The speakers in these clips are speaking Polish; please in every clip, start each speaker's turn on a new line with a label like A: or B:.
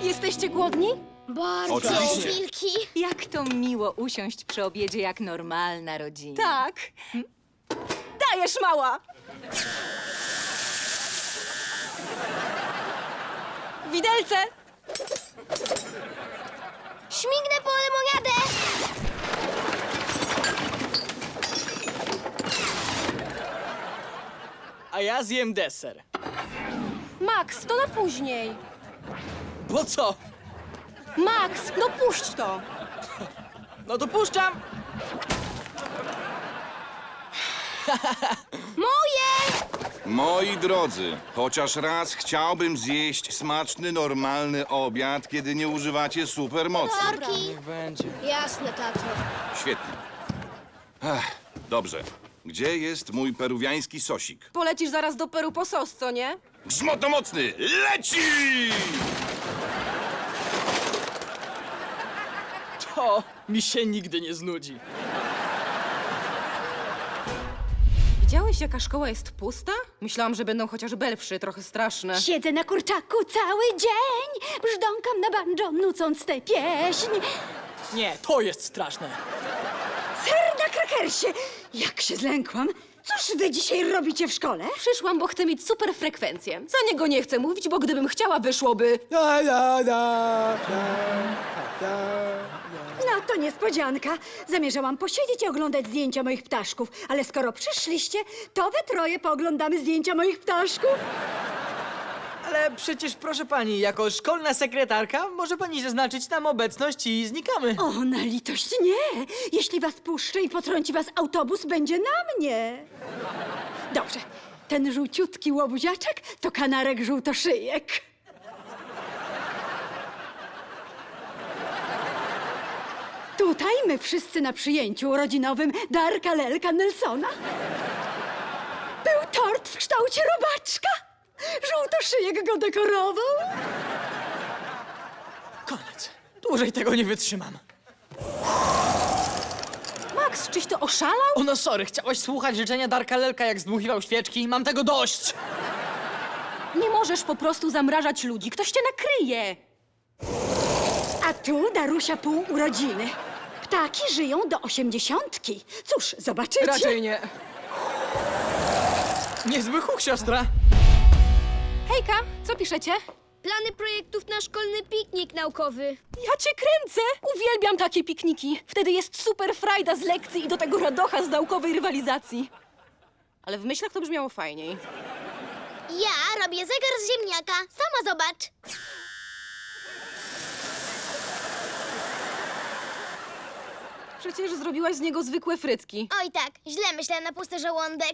A: Jesteście głodni?
B: Bardzo.
C: Oczywiście.
B: Wilki.
D: Jak to miło usiąść przy obiedzie jak normalna rodzina.
A: Tak. Dajesz, mała! Widelce!
B: Śmignę po lemoniadę.
E: A ja zjem deser.
A: Max, to na później.
E: Bo co?
A: Max, no puść to!
E: No to puszczam!
B: Moje!
C: Moi drodzy, chociaż raz chciałbym zjeść smaczny, normalny obiad, kiedy nie używacie supermocy.
B: Sorki.
E: Niech będzie.
B: Jasne, tato.
C: Świetnie. Dobrze. Gdzie jest mój peruwiański sosik?
A: Polecisz zaraz do Peru po sos, co nie?
C: Grzmoto mocny, leci!
E: To mi się nigdy nie znudzi.
A: Widziałeś, jaka szkoła jest pusta? Myślałam, że będą chociaż belwszy, trochę straszne.
F: Siedzę na kurczaku cały dzień, brzdąkam na banjo, nucąc tę pieśń.
E: Nie, to jest straszne.
F: Ser na krakersie! Jak się zlękłam! Cóż wy dzisiaj robicie w szkole?
A: Przyszłam, bo chcę mieć super frekwencję. Za niego nie chcę mówić, bo gdybym chciała, wyszłoby...
F: No to niespodzianka. Zamierzałam posiedzieć i oglądać zdjęcia moich ptaszków, ale skoro przyszliście, to we troje pooglądamy zdjęcia moich ptaszków.
E: Ale przecież, proszę pani, jako szkolna sekretarka może pani zaznaczyć nam obecność i znikamy.
F: O, na litość nie! Jeśli was puszczę i potrąci was autobus, będzie na mnie. Dobrze, ten żółciutki łobuziaczek to kanarek żółtoszyjek. Tutaj my wszyscy na przyjęciu urodzinowym Darka Lelka Nelsona. Był tort w kształcie robaczka. Żółtoszyjek go dekorował.
E: Koniec. Dłużej tego nie wytrzymam.
A: Max, czyś to oszalał?
E: O no sorry, chciałaś słuchać życzenia Darka Lelka, jak zdmuchiwał świeczki? Mam tego dość!
A: Nie możesz po prostu zamrażać ludzi, ktoś cię nakryje.
F: A tu Darusia pół urodziny. Ptaki żyją do 80. Cóż, zobaczycie.
A: Raczej nie.
E: Niezły huk, siostra.
A: Hejka, co piszecie?
B: Plany projektów na szkolny piknik naukowy.
A: Ja cię kręcę! Uwielbiam takie pikniki. Wtedy jest super frajda z lekcji i do tego radocha z naukowej rywalizacji. Ale w myślach to brzmiało fajniej.
B: Ja robię zegar z ziemniaka. Sama zobacz.
A: Przecież zrobiłaś z niego zwykłe frytki.
B: Oj tak, źle myślę na pusty żołądek.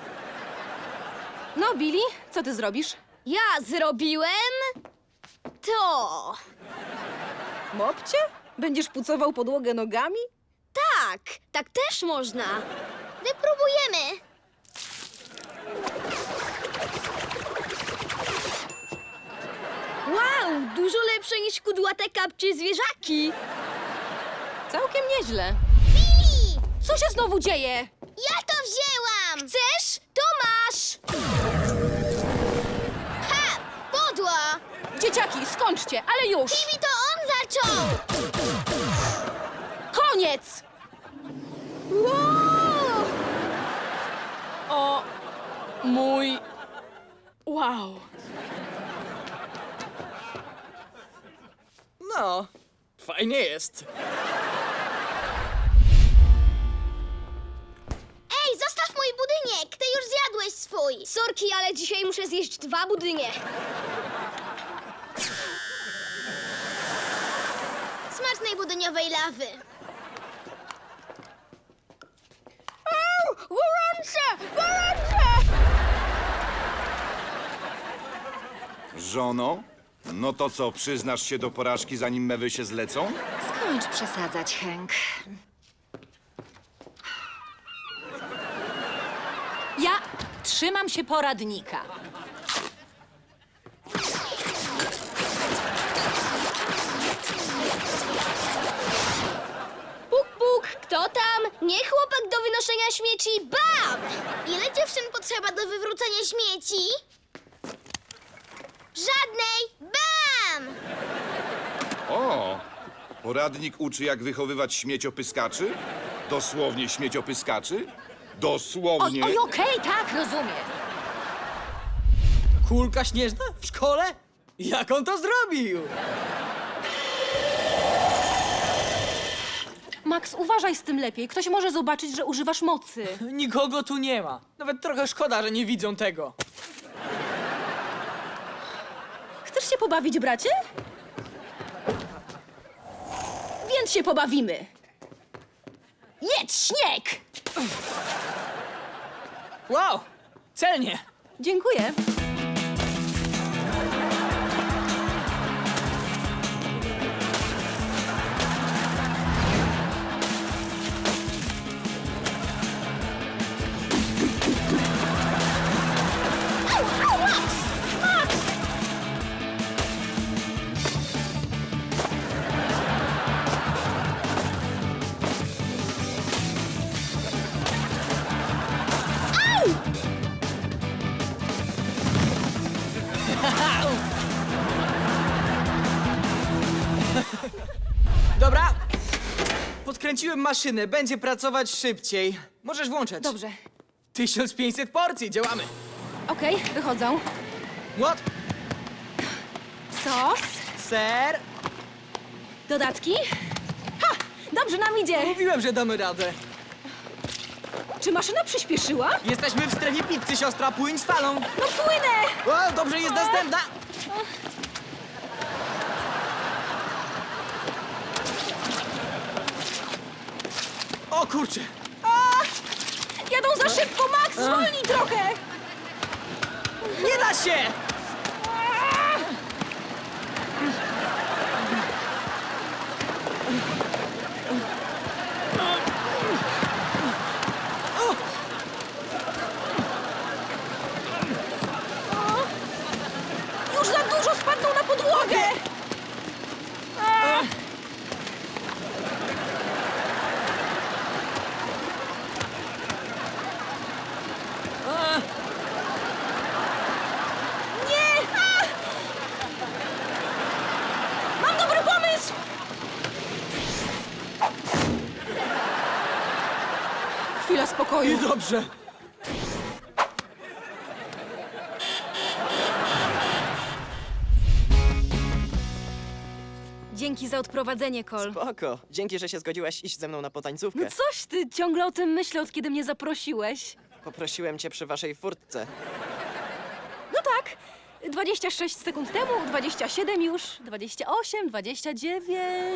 A: No, Billy, co ty zrobisz?
B: Ja zrobiłem to.
A: Mopcie? Będziesz pucował podłogę nogami?
B: Tak, tak też można. Wypróbujemy. Wow, dużo lepsze niż kudłate kapcie zwierzaki.
A: Całkiem nieźle.
B: Billy!
A: Co się znowu dzieje?
B: Ja to wzięłam! Chcesz? To masz! Ha! Podła!
A: Dzieciaki, skończcie, ale już!
B: Billy, to on zaczął!
A: Koniec!
B: Wow!
A: O mój... Wow.
E: No, fajnie jest.
B: Ej, zostaw mój budynek! Ty już zjadłeś swój! Sorki, ale dzisiaj muszę zjeść 2 budynie. Smacznej budyniowej lawy. Gorące! Gorące!
C: Żono? No to co, przyznasz się do porażki, zanim mewy się zlecą?
D: Skończ przesadzać, Hank. Ja trzymam się poradnika.
B: Puk, puk, kto tam? Nie chłopak do wynoszenia śmieci, bam! Ile dziewczyn potrzeba do wywrócenia śmieci? Żadnej, bam!
C: Poradnik uczy, jak wychowywać śmieciopyskaczy? Dosłownie śmieciopyskaczy? Dosłownie.
A: Oj, okej, tak, rozumiem.
E: Kulka śnieżna? W szkole? Jak on to zrobił?
A: Max, uważaj z tym lepiej. Ktoś może zobaczyć, że używasz mocy.
E: Nikogo tu nie ma. Nawet trochę szkoda, że nie widzą tego.
A: Chcesz się pobawić, bracie? Więc się pobawimy. Jedz śnieg!
E: Wow! Celnie!
A: Dziękuję.
E: Dobra. Podkręciłem maszynę, będzie pracować szybciej. Możesz włączać.
A: Dobrze.
E: 1500 porcji, działamy.
A: Okej, wychodzą.
E: What?
A: Sos,
E: Ser?
A: dodatki. Ha! Dobrze nam idzie.
E: Mówiłem, że damy radę.
A: Czy maszyna przyspieszyła?
E: Jesteśmy w strefie pizzy, siostra, płyń z falą.
A: No płynę!
E: O, dobrze, jest następna. O kurczę.
A: Jadą za szybko, Max! Zwolnij trochę!
E: Nie da się!
A: Już za dużo spadną na podłogę! Nie! Mam dobry pomysł! Chwila spokoju.
E: I dobrze.
A: Dzięki za odprowadzenie, Cole.
G: Spoko. Dzięki, że się zgodziłaś iść ze mną na potańcówkę.
A: No coś ty, ciągle o tym myślę, od kiedy mnie zaprosiłeś.
G: Poprosiłem cię przy waszej furtce.
A: No tak, 26 sekund temu, 27 już, 28, 29...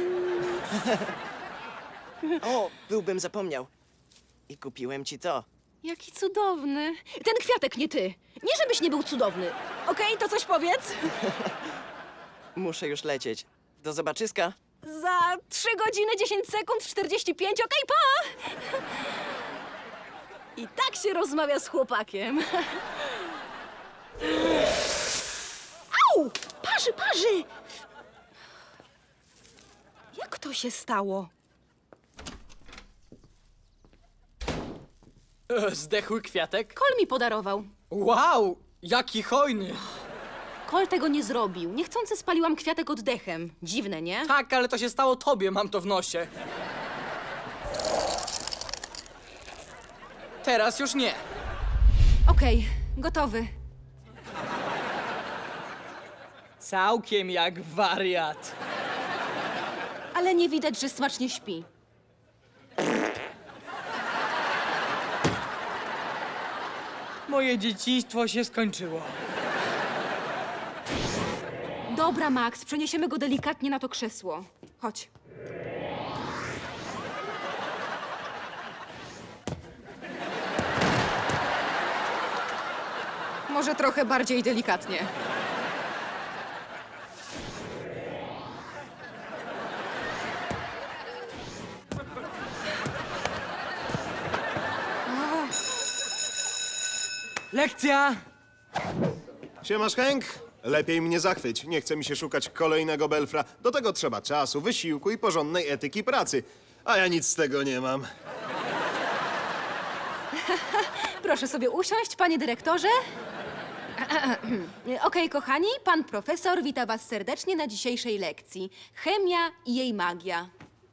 G: O, byłbym zapomniał. I kupiłem ci to.
A: Jaki cudowny. Ten kwiatek, nie ty. Nie żebyś nie był cudowny. Okej, to coś powiedz.
G: Muszę już lecieć. Do zobaczyska.
A: Za 3 godziny, 10 sekund, 45, okej, pa! I tak się rozmawia z chłopakiem. Au! Parzy, parzy! Jak to się stało?
E: Zdechły kwiatek?
A: Kol mi podarował.
E: Wow, jaki hojny.
A: Kol tego nie zrobił. Niechcący spaliłam kwiatek oddechem. Dziwne, nie?
E: Tak, ale to się stało tobie, mam to w nosie. Teraz już nie.
A: Okej, gotowy.
E: Całkiem jak wariat.
A: Ale nie widać, że smacznie śpi.
E: Moje dzieciństwo się skończyło.
A: Dobra, Max, przeniesiemy go delikatnie na to krzesło. Chodź. Może trochę bardziej delikatnie.
E: Lekcja!
H: Siemasz, Hank? Lepiej mnie zachwyć. Nie chce mi się szukać kolejnego belfra. Do tego trzeba czasu, wysiłku i porządnej etyki pracy. A ja nic z tego nie mam.
A: Proszę sobie usiąść, panie dyrektorze. Okej, kochani, pan profesor wita was serdecznie na dzisiejszej lekcji. Chemia i jej magia.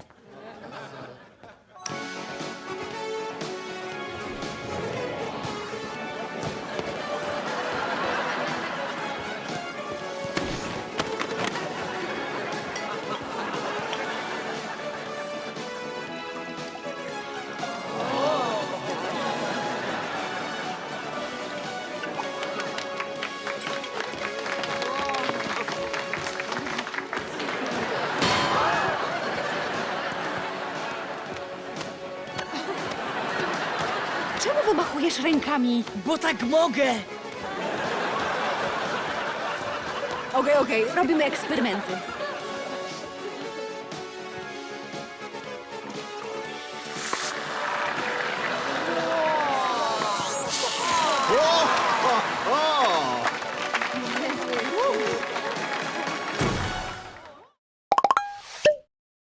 A: Czemu wymachujesz rękami?
E: Bo tak mogę!
A: Okej, robimy eksperymenty.